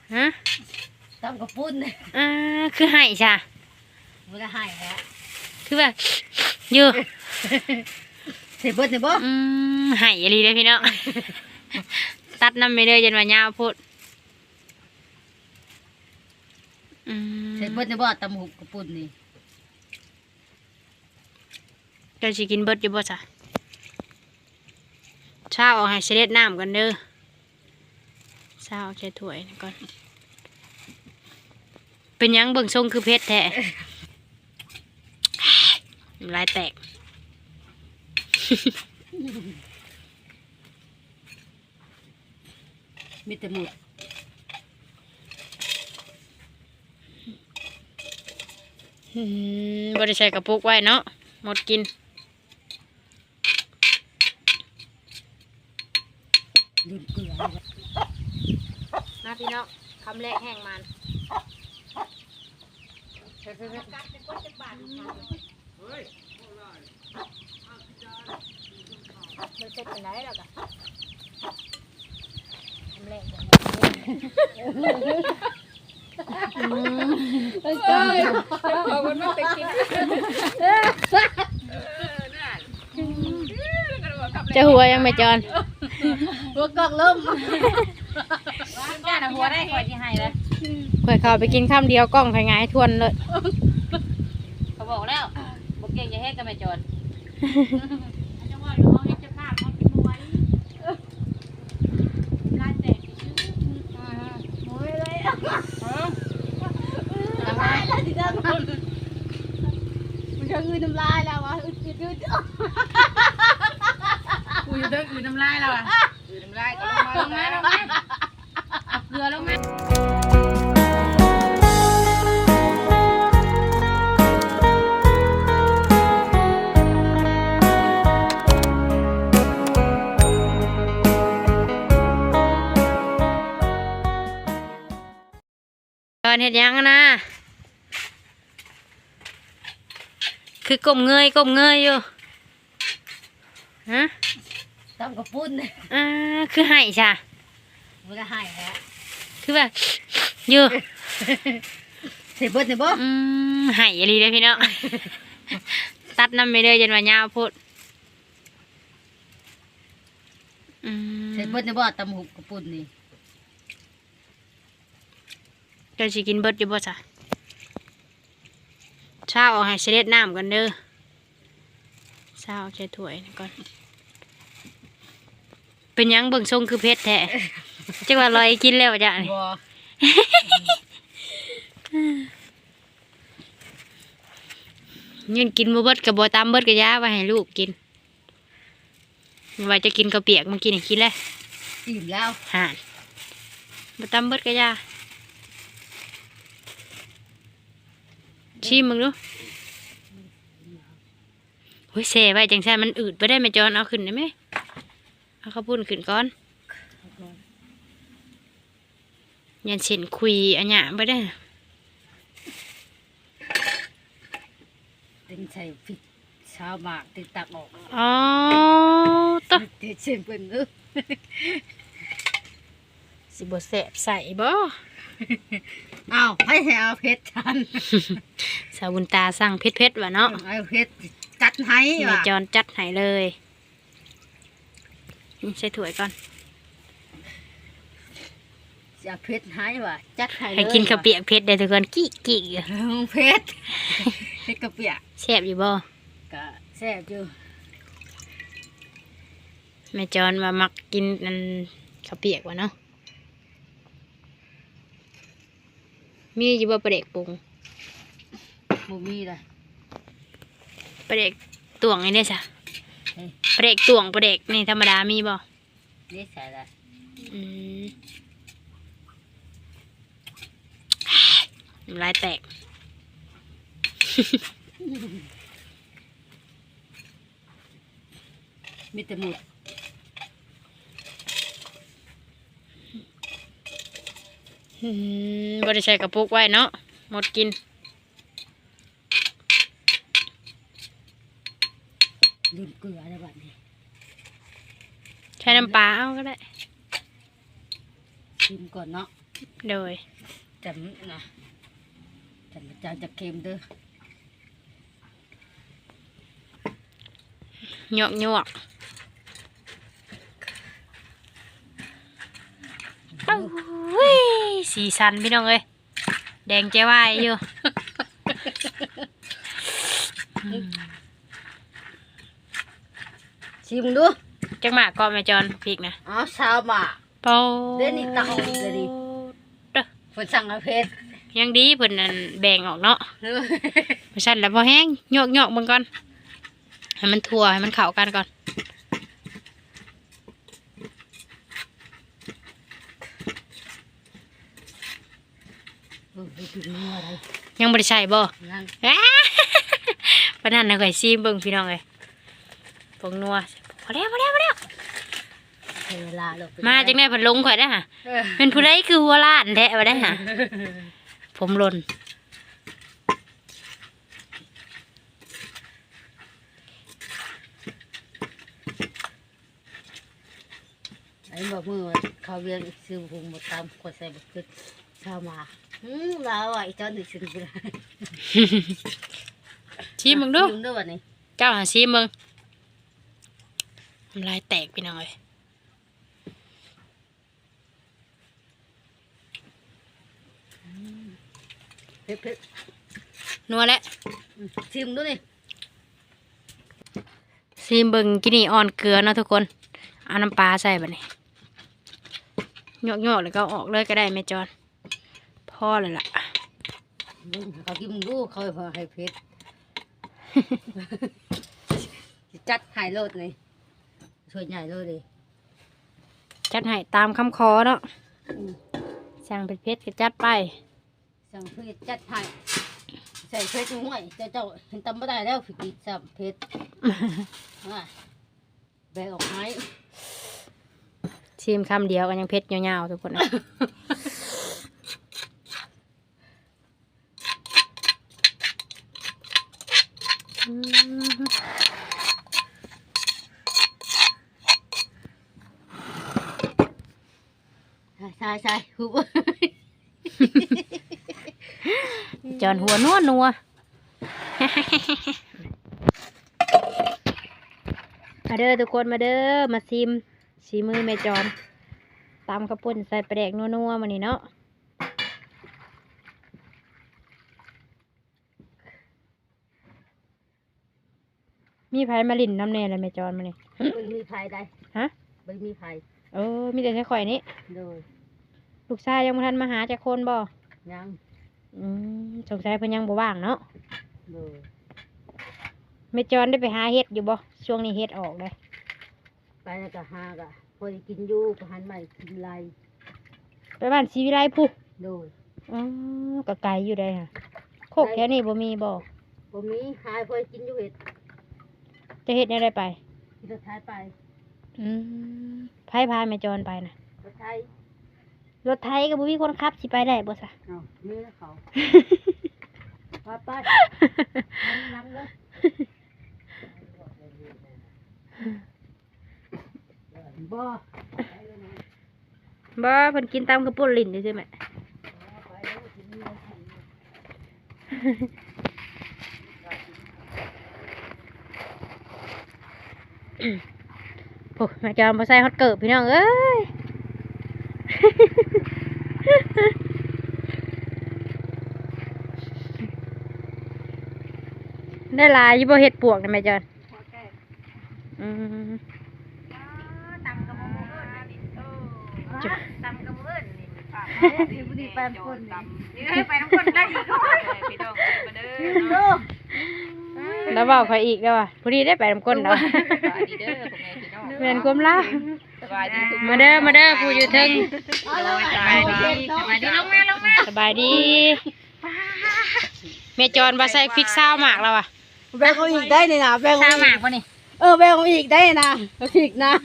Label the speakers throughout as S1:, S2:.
S1: ฮะ
S2: ตำกระปุ้น
S1: คือไห่จ้ะ
S2: มันก็ให้แล้ว
S1: คือแบบอยู่
S2: เสร็จเบิดเสร็จบ่
S1: ไห่อะไรเลยพี่เนาะตัดน้ำไม่ได้จนว่ายาวพูด
S2: เสร็จเบิดเสร็จบ่ตำหุบกระปุ้นนี่
S1: เดี๋ยวสิกินเบิดอยู่บ่จ้ะเช้าเอาให้เสด็จน้ำกันเด้อเช้าเอาใส่ถ้วยก่อนเป็นยังเบิ่งทรงคือเพชรแท้ลายแตก
S2: มีแต่หมด
S1: บริใส่กระปุกไว้เนาะหมดกิน
S2: ลืมเกลือ
S1: นะพี่น้องคำแรกแห้งมันมันเสร็จเป็นไรแล้วกันทำแรกบอกว่าไม่ไปกินจะหัวยังไม่จอน
S2: หัวกอกล้มจ้าหน้าหัวได้คอยที่ให้เลย
S1: ข่อยเข้าไปกินข้ามเดียวกล้องไข่งายทวนเลย
S2: เขาบอกแล้วบอกเก่งจะเฮ็ดกันไม่จนมันจะอืดน้ำลายแล้ววะอืดกูจะต้องอืดน้ำลายแล้วอ่ะอืดน้ำลายก็ลงมาเอาเกลือลงมาตอนเห็ดยังนะคือกลมเงยอยู่ฮะตำกระปุ้น
S1: คือไห่จ้ะ
S2: มันก็ให้แล้ว
S1: คือแบบอยู่
S2: เสร็จเบิดเสร็จบ่
S1: ไห่อะไรเลยพี่เนาะตัดน้ำไม่ได้จนว่ายาวพูด
S2: เสร็จเบิดเสร็จบ่ตำหุบกระปุ้นนี่
S1: เดี๋ยวสิกินเบิดอยู่บ่จ้ะเช้าเอาให้เสด็จน้ำกันเด้อเช้าเอาใส่ถ้วยก่อนเป็นยังเบิ่งทรงคือเพชรแท้จังว่าลอยกินแล้วจ้ะนี่ยืนกินบ่เบิดกับบ่ตามเบิดกับยาไว้ให้ลูกกินว่าจะกินกระเปียกมันกินให้กินเลย
S2: อิ่มแล้ว
S1: ห่านบ่ตามเบิดกับยาชิมมึงดูโอ้ยเซ่ไว้จังซั่นมันอืดไปได้ไหมจอนเอาขึ้นได้ไหมเอาข้าวปุ้นขึ้นก่อนยันเส้นคุยอันเนี้ยไปได้
S2: ตึงใส่พริกชาวหมากตึงตักออก
S1: อ๋อต๊ะ
S2: เด็ดเส้นเป็นนึก
S1: สิบ่แซ่บใส่บ่
S2: เอาให้เอาเพชรทัน
S1: สาวบุญตาสั่งเพชรว่ะเนาะ
S2: เอาเพชรจัดให้
S1: ว่ะจอนจัดให้เลยใส่ถ้วยก่อน
S2: จะเพชรให้ว่ะจัดให้
S1: ให้กินข้าวเปียกเพชรได้ทุกคนกี้
S2: เพชรกระเปียก
S1: แซ่บอยู่บ่
S2: ก็แซ่บอยู่
S1: แม่จอนว่ามักกินนั่นข้าวเปียกว่ะเนาะมีอยู่บ่ปลาเด็กปรุง
S2: บ่มีเลย
S1: ปลาเด็กตวงนี่ได้จ้ะปลาเด็กตวงปลาเด็กนี่ธรรมดามีบ่
S2: นี่ใส่ละ
S1: ลายแตก
S2: มีแต่หมด
S1: บริใส่กระปุกไว้เนาะหมดกิน
S2: ลืมเกลืออะไรแบบนี้
S1: ใช้น้ำปลาเอาก็ได้
S2: ชิมก่อนเนาะ
S1: โดย
S2: จำนะจำจะเค็มเด้อ
S1: หยวกเอ้ยสีสันพี่น้องเอ้ยแดงใจวายอยู่
S2: ชิมดู
S1: จังหมากก็แม่จอนพริกนะ
S2: อ๋อชาวหมา
S1: เป่า
S2: เดี๋ยวนี้ตักออกอีกเลยดิ
S1: เด้อ
S2: ฝนสั่งอาเพชร
S1: ยังดีเพิ่นนั่นแบ่งออกเนาะเพราะฉะนั้นแล้วพอแห้งหยวกมันก่อนให้มันทั่วให้มันเข้ากันก่อน
S2: ไปกินนัวอะไร
S1: ยังบ่ได้ใส่บ่
S2: นั่น
S1: อ้า ปานนั้นน่ะข่อยซีมเบิ่งพี่น้องเอ้ยผงนัวพอแล้ว
S2: เวลาเรา
S1: มาจังได๋เพิ่นลงข่อยได้อห่ะ
S2: เออ
S1: เป็นผู้ใดคือหัวล้านแท้บ่ได้อห่ะผมหล่น
S2: ไอ้บอกมือเขาเรียนซื้อหุงมาตามคนใส่บุกขึ้นชาวหมาลาวอ่ะอีจอนดิซื้อบุญ
S1: ซีมเบิ่งดู
S2: ชิมด้วยวันนี้
S1: เจ้าหาซีมเบิ่งน้ำลายแตกพี่น้องเอ้ย
S2: เผ็ด
S1: นัวแล้ว
S2: ชิมด้วยนี่
S1: ซีมเบิ่งกินนี่อ่อนเกลือเนาะทุกคนเอาน้ำปลาใส่บัดนี้หยวกแล้วก็เอาออกเลยก็ได้แม่จอนพอเลยล่ะ
S2: เขากินมึงดูเขาให้เผ็ดจัดหายโลดเลยส่วนใหญ่โลดเลย
S1: จัดให้ตามคำขอเนาะสั่งเผ็ดๆก็จัดไป
S2: สั่งเผ็ดจัดหายใส่เผ็ดห่วยเจ้าเห็นตำไม่ได้แล้วผิดอีกสับเผ็ดแบกออกให้
S1: ชิมคำเดียวกันยังเผ็ดยาวๆทุกคนนะ
S2: ใช่หุบ
S1: จอนหัวนัว มาเด้อทุกคนมาเด้อมาซิมสีมือแม่จอนตำข้าวปุ้นใส่ปลาแดกนัวๆมานี่เนาะมีไผมาลิ่นน้ำแน่เลยแม่จอนมานี่
S2: ไม่มีไผ่ได้
S1: ฮะ
S2: ไม่มีไผ่
S1: มีแต่แค่ข่อยนี้
S2: โดย
S1: ลูกชายยังบ่ทันมาหาจากคนบ่
S2: ยัง
S1: สงสัยเพิ่นยังบ่ว่างเนาะ
S2: โดย
S1: แม่จอนได้ไปหาเห็ดอยู่บ่ช่วงนี้เห็ดออกเลย
S2: ไปแล้วก็หากะพอได้กินอยู่ก็หันใหม่กินไร
S1: ไปบ้านศรีวิไลพุ
S2: โดย
S1: ก็ไกลอยู่ได้ค่ะโคกแถวนี้บ่มีบ่
S2: ผมมีหายพอได้กินอยู่เห็ด
S1: จะเห็ดอะไรไป
S2: กินรถไทยไป
S1: ไผพาแม่จอนไปนะ
S2: รถไทย
S1: รถไทยก็บ่มีคนขับสิไปได้บ่ซะ
S2: เอามีแล้วเขาไปนั่งเลย บ่
S1: บ่เพิ่นกินตามกระปุกลิ้นได้ใช่ไหมโอ้แม่จอนบ่ใส่ฮอตเกิบพี่น้องเอ้ย ได้หลายอยู่บ่เห็ดปวกนะแม่จอนจุ๊บ
S2: ตำกระเบื้องนี่บุรีไปคนนี่ไปน้ำคนได้อีกพี่น้องมาเด้อ
S1: แล้วบอกใครอีกแล้วอ่ะพอดีได้ไปน้ำก้นแล้ว
S2: ดีเด้อผมไงพี่น้อง
S1: เวียนกลมล่า
S2: สบายดี
S1: มาเด้อผู้อยู่เทึง
S2: สบายดีลงมา
S1: สบายดีแม่จอนมาใส่พริกซาวหมากแล้วอ่ะ
S2: แบ่งเอาอีกได้เลยนะแบ่ง
S1: ซาวหมากป่ะนี่
S2: แบ่งเอาอีกได้นะอีกนะ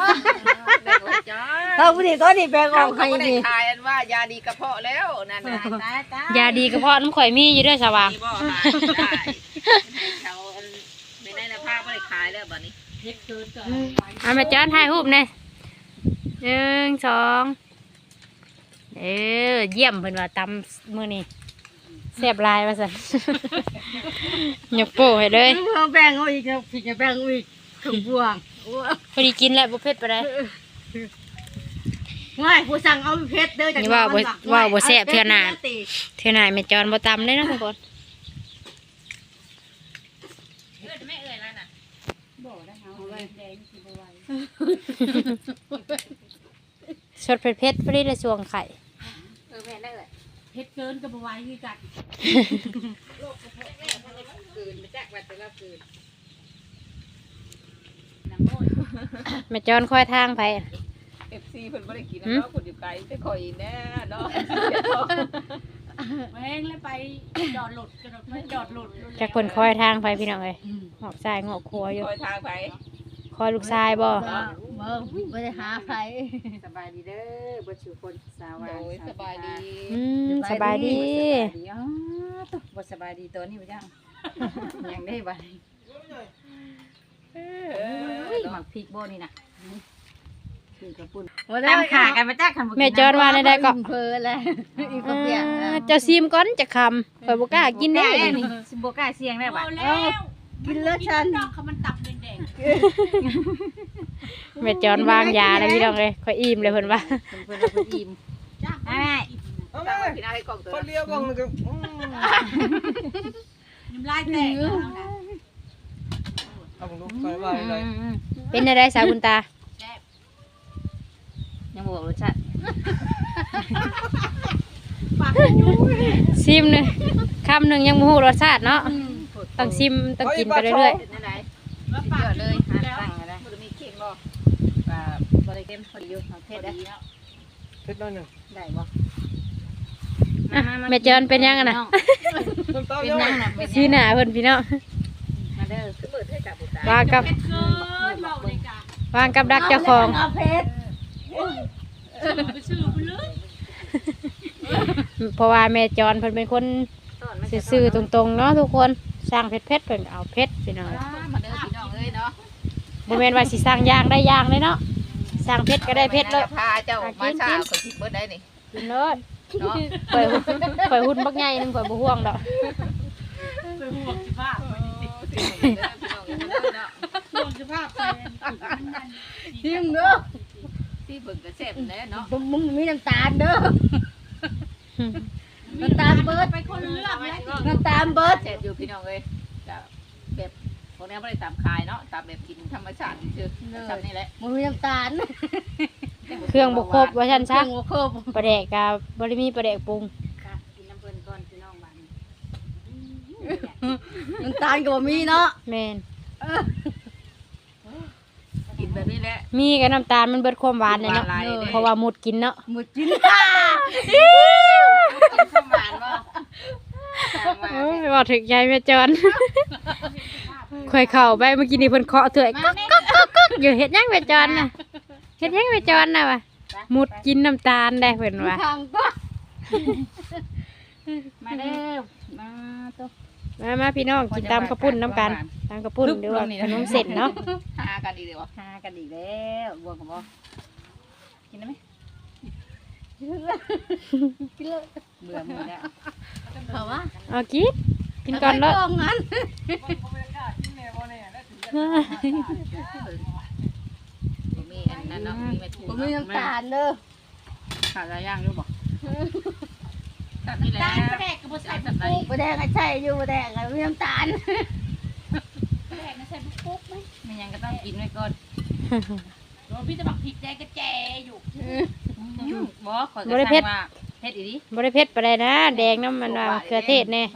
S2: ถ้าผู้ดีตัวนี้แบ่งออกให้ดี
S3: ทายอันว่ายาดีกระเพาะแล้วนั่นนะ
S1: ยาดีกระเพาะน้ำข่อยมีอยู่ด้วยสว่าง
S3: มีบ่ขายได้เขาไม่ได้นะผ้าไม่ได้ขายแล้วบัดนี้
S1: เอาแม่จอนถ่ายรูปหน่อย1 2 เยี่ยมเพิ่นว่าตำมื้อนี้แซ่บหลายว่าซั่น ยกโป้ให้เลย
S2: เอาแบ่งเอาอีกนะผิดจะแบ่งเอาอีกถุงพวง
S1: พอดีกินแล้วบ่เผ็ดปานใด
S2: ง่ายผู้สั่งเอาเพชรเด้อจาก
S1: นี่ว่าบ่
S2: น้อง
S1: ว่าบ่แซ่บเทื่อหน้า
S2: เอ
S1: เทื่อหน้าแม่จอนบ่ตำเลยนะทุกคน สดเผ็ดๆพอดีเลยสวงไข่
S3: แม่ได้เลย
S2: เพชรเกินก็บ่ไหวคือกัน
S3: คืนมาแจกแบตแต่ละคืน
S1: แม่จอนค่อยทางไป
S3: FC เพิ่นบ่ได้กินนะเนาะคนอยู่ไกลแต่ข่อยแน่เนาะ
S2: แม่งแล้วไปจอดหลุดจอดไม่จอดหลุด
S1: จากเพิ่นค่อยทางไปพี่น้องเอ้ยงอกซ้ายงอกขวาอยู่
S3: คอยทางไป
S1: คอยลูกชายบ่
S2: ไม่ได้หาใคร
S4: สบายดีเด้อบ่ชูคนสาวา
S3: โอ้ยสบายดี
S1: สบายดี
S4: อ๋อตุ๊บ่สบายดีตัวนี้บ่จังยังได้บ่หมักพริกบ่นี่น่ะคือกระปุ่นตั้งขากันมาจักคันบ่
S1: แม่จอนว่าได้ก็
S2: เพอแล้วอีกก็เปียก
S1: เจ้าซิมก่อนจะคำข่อยบ่กล้ากินได้
S4: นี่สิบ่กล้าเสี่ยงได้บ่
S2: กินแล้วฉัน
S1: แม่จอนวางยาแล้วพี่น้องเอ้ยข่อยอิ่มเลยเพิ่นว่า
S4: เพิ่นว่าเพิ่นอิ่มอ้าย
S3: ตามมากินอะไรกล่องตัว
S5: คนเดียวกล่องนึงก็
S2: น้ำลายแตก
S5: เอาผมดูไปว่าอะไร
S1: เป็นได้สาวคุณตา
S4: ยังบ่บอกรสชาติ
S1: ซิมหนึงคำหนึงยังบ่ฮู้รสชาติเนาะต้องซิมต้องกินไปเรื่อย
S4: เป็นจังได๋สุดยอดเลยหาตั้งก็ได้
S3: บ่ได้มีเค้กบ่
S4: ว่าบ่ได้เต็มพอดีอยู่เอาเผ็ดได้
S5: เพชรน้อยหนึ่ง
S4: ได้บ่
S1: ๆอ่ะแม่จอนเป็นยังอะน่ะ
S5: น้ำตาล
S4: เป็น
S5: เยอะ
S4: ยังน่ะเป็น
S1: ชี้หน้าเพิ่นพี่น้อง
S4: มาเด้อ
S3: คือเปิดให้จับบุตร
S1: วางกับวางกับดักเจ้าของ
S2: เอาเพชร
S1: เพราะว่าแม่จอนเพิ่นเป็นคนซื่อๆตรงๆเนาะทุกคนสร้างเผ็ดๆเพิ่นเอาเผ็ดพี่น้อง
S3: มาเด้อพี่น้องเอ้ยเนาะ
S1: บ่แม่นว่าสิสร้างย่างได้ย่างเลยเนาะสร้างเผ็ดก็ได้เผ็ดเลย
S3: พาเจ้ามาเช้าก็คิดเบิดได้นี่
S1: กินเลิศ
S3: เนาะ
S1: ข่อยหุ่นบักใหญ่นึงข่อยบ่ห่วงดอก
S2: ชิมเด้อ
S3: ที่เบิ่งก็แซ่บแน่เนาะ
S2: มึงมีน้ำตาลเด้อน้ำตาลเบิดไปคนเลือกน้ำตาลเบิด
S3: แซ่บอยู่พี่น้องเอ้ยจะแบบพวกนี้บ่ได้ตามคายเนาะตามแบบกินธรรมชาติซื่อๆซ้ำนี่แหละ
S2: มึงมีน้ำตาล
S1: เครื่องบ่ครบว่าซั่นซะ
S2: หัวโคบ
S1: ปลาแดกก็บ่ได้มีปลาแดกปรุง
S4: กินน้ำเพิ่นก่อนพี่น้องบ้าน
S2: น้ำตาลก็บ่มีเนาะ
S1: แม่น
S3: กินแบบนี้แหละ
S1: มีกับน้ำตาลมันเบิดความหวานเลยเนาะ
S3: หวานหลายเลย
S1: เพราะว่าหมดกินเนาะ
S2: หมดกิน
S4: กินข้าวหวานบ่
S1: โอ้ยบอกถึงใจแม่จอนข่อยเข้าไปเมื่อกี้นี่เพิ่นเคาะเถื่อยก๊อกก๊อกก๊อกก๊อกอยู่เฮ็ดหยังแม่จอนน่ะเฮ็ดหยังแม่จอนน่ะวะหมดกินน้ำตาลได้เพิ่นว่า
S2: ทางก็
S4: มาเด้อมาตุ๊
S1: มาพี่น้องกินตามกระปุ้นน้ำกันตามกระปุ้นหรือว่าขนมเสร็จเนาะ
S3: หากันดีเดี๋ยว
S4: หากันอีกแล้วบวกกับบ่กินได้ไหมเบื่อมือแล้ว
S2: เขาว่า
S1: เอากินก่อนเนาะ
S2: ไปงั้น
S3: บ่มีอันนั้นเนาะมีแม่ถู
S2: ผมมีน้ำตาลเด้อ
S4: ขาดอะไรย่างรู้บ่
S3: ตัดนี่แหละใส่ตัดไหน
S2: บ่แดงก็ใช่อยู่บ่แดงก็มีน้ำตาล
S4: ไม่ยังก็ต้องกินไว้ก่อนบ่ขอยก็สั่งว่าเฮ็ดอีดิ
S1: บ่ได้เผ็ดปานใดนะแดงน้ำมันว่าเครือเทศแน่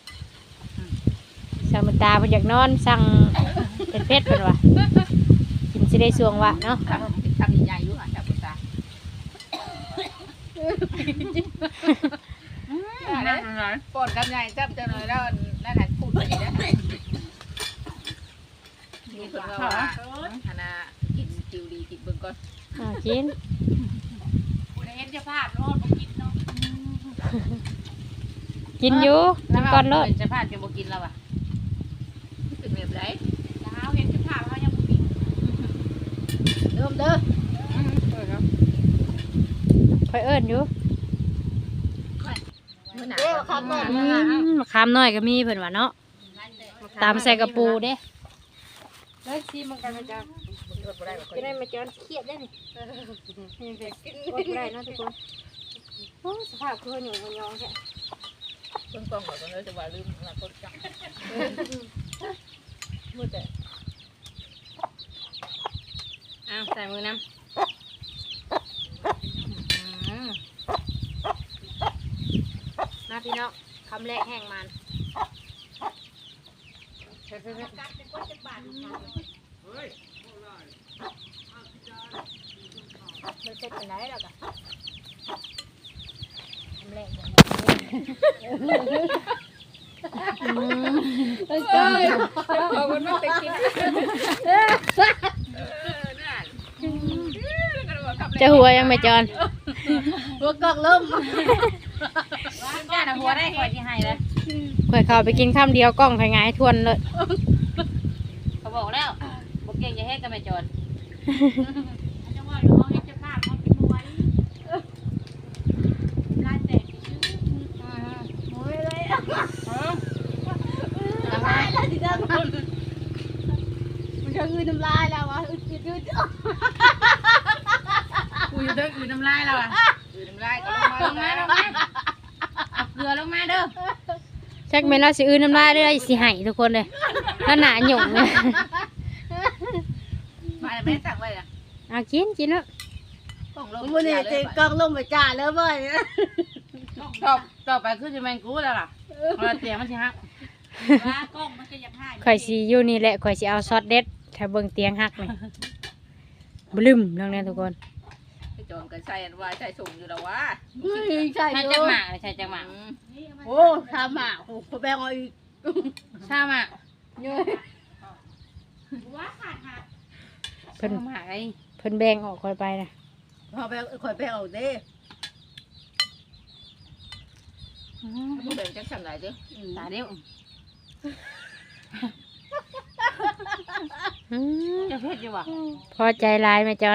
S1: สั่งมันตาเพิ่นอยากนอนสั่งเผ็ดๆเพิ่นว่ากินสิได้สวงวะเนาะ
S3: ทำใหญ่ๆอยู่อ่ะจับบุตรปวดกันใหญ่จับจะหน่อยแล้วนั่นแหละพูดไปนะมีคนว่าอันน่ะกินจิวดีกินเบิ่งก่อน
S1: กินกินอยู่กินก่อนเนาะ
S4: จะพลาดจะบ่กินแล้วอ่ะ
S3: เป็นแบบไร
S2: เริ่มเด้อ
S1: ค่อยเอิ้นอยู่
S3: มื้อหน้า
S2: เด้อครับแม่
S1: มะขามน้อยก็มีเพิ่นว่าเนาะตามใส่กระปูเด้แล้วซีมันกันมาจาก
S3: อดบ่ได้บ่
S1: จะได้มาจอนเครียดได้นี่นี่เด็กอดบ่ได้เนาะทุกคนโอ้สภาพคือหนูมันยองแท้
S3: เพิ่นกล้องบ่ต้องเลยจะว่าลืมอนาคตจังมือแต่
S1: อ้าวใส่มือน้ำมาพี่น้องคำแรกแห้งมันไม่ใช่เป็นไรหรอกอะคำแรกอย่าง
S3: ขอบคุณมากไปกิน
S1: จะหัวยังไม่จอน
S2: หัวกอกล้ม
S4: จ้าน่ะหัวได้คอยสิให้เลย
S1: ข่อยเข้าไปกินข้ามเดียวกล้องไข่งายทวนเลย
S4: เขาบอกแล้วบ่เก่งจะเฮ็ดก็ไม่จน
S2: มันจะคือน้ำลายแล้ววะอึด
S4: กูอยู่เด้อน้ำลายแล้วอ่ะ
S3: คือน้ำลายก็ลงมา
S4: ลงมาเอาเกลือลงมาเด้อ
S1: ชักเมนเราสิอื้อน้ำลายเลยสิให้ทุกคนเลยแล้วหนาหยุ่งเลย
S3: มาแม่สั่งไว้ล่ะ
S1: เอากินเนาะ
S3: ต้องลง
S2: มันเนี่ยจะกอกล้มไปจ่าแล้วบ่อย
S4: ต่อไปคือสิแม่นกูแล้วล่ะเอาเตียงมันสิฮัก
S1: ข่อยสิอยู่นี่แหละข่อยสิเอาซอสเด็ดถ้าเบิ่งเตียงหักเลยบลึมเรื่องนี้ทุกคน
S3: ไปจอนกันใส่อันว่าใส่ส่งอยู่แล้ววะ
S2: ใช่
S4: ใช่
S2: อ
S4: จั
S2: ยู่
S4: กหมากเลยใช่จักหมาก
S2: โอ้ทำอ่ะโอ้แบงเอาอีก
S4: ชาหมาก
S1: เพิ่น
S4: หมากไอ้
S1: เพิ่นแบ่งออกข่อยไปนะ
S2: พอแบงคอยแบงเอาเด้
S3: บ่แบ่งจักสั่งไหนเด้อ
S4: ตาเดียว
S1: อืม
S4: จะเผ็ดอยู่บ่
S1: พอใจหลายแม่จอน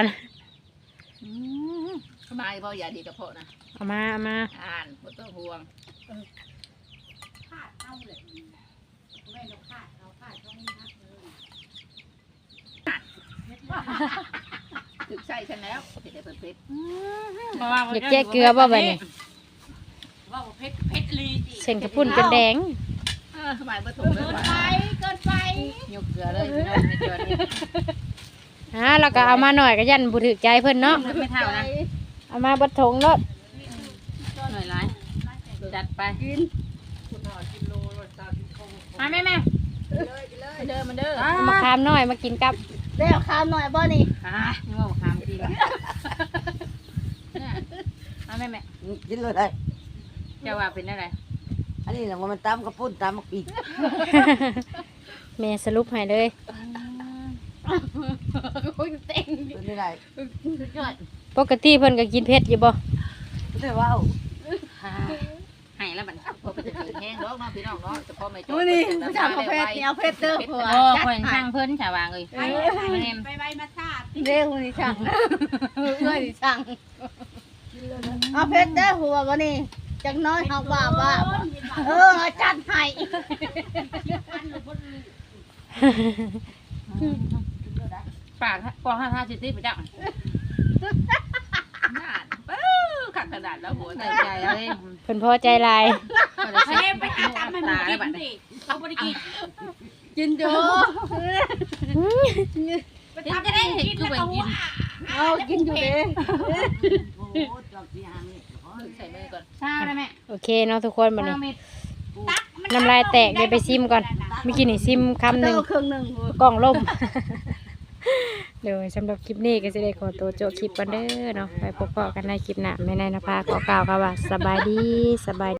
S3: สบายบ่อย่าดีกับพ่อนะ
S1: เอามา
S3: อ่านบ่ต้องห่วงถึกใส่ฉันแล้วเผ็ดได้เผ็ด
S1: อยากแก้เกลือบ่บัดนี้
S4: ว่าเผ็ดลีจิ
S1: เส้นกระปุ่นเป็นแดง
S3: สบายบ่ถูกเลยว่ะ
S2: เกินไป
S4: ยกเกลือเลยพี่น้องไม่จนนี่
S1: แล้วก็เอามาหน่อยก็ยันบ่ถูกใจเพิ่นเนาะ
S4: ไม่เท่านะ
S1: เอามาบัดถงเนาะ
S4: หน่อยหลายจัดไป
S2: กิน
S4: มาแม่
S3: เด้อมันเด้อ
S1: เอามาคามน้อยมากินกับ
S2: แล้วข้าวหน่อยบ่นี่
S4: นี่ว่าคามดีละมาแม่
S6: กินเลยได้
S4: จะว่าเป็นอะไร
S6: อันนี้นะว่ามันตำกระปุ้นตำมะปีก
S1: แม่สรุปให้เลย
S6: เป็นไม่ได้
S1: ปกติเพิ่นก็กินเผ็ดอยู่บ่
S6: ไม่ได้ว่า
S4: ให้แล้วบัด
S3: พอไปจะกินแห้งดอกเนาะพี่น้องเนาะแต่พอไม่จ
S2: มื้อนี้ผู้ชายเขาเพชรเนี่ยเอาเพชรเด้อหัว
S4: โอ้คนช่างเพิ่นชาวางเลยแม่
S2: เด้อคนนี้ช่างเอ้ยนี่ช่างเอาเพชรเด้อหัวบ่นี่จักน้อยเฮาว่าจัดให้
S4: ปากปอง5สิไปจัก
S3: นานขักกระดาษแล้วหัว
S4: ใจ
S3: ใจ
S4: ใจเลย
S1: เพิ่นพอใจหลาย
S4: ไปหาตามมันตาแล้วบัดนี้
S2: กินอยู่
S4: จะได้เห็นคือไปกิน
S2: เอากินอยู่เด้
S6: โอ้จอกที่หางนี่
S3: ใส่มือก่อน
S4: ชาได้แม่
S1: โอเคเนาะทุกคนบัดนี้
S4: เม็ด
S1: น้ำลายแตกเดี๋ยวไปซิมก่อนเมื่อกี้นี่ซิมคำห
S2: เด้
S1: นึ่ง
S2: อครึ่งหนึง
S1: กล่องล่ม เดี๋ยวสำหรับคลิปนี้ก็จะได้ขอตัวจบคลิปกันเด้อเนาะไปพบกันในคลิปหน้าไม่นายนภาขอกล่าวค่ะว่าสบายดี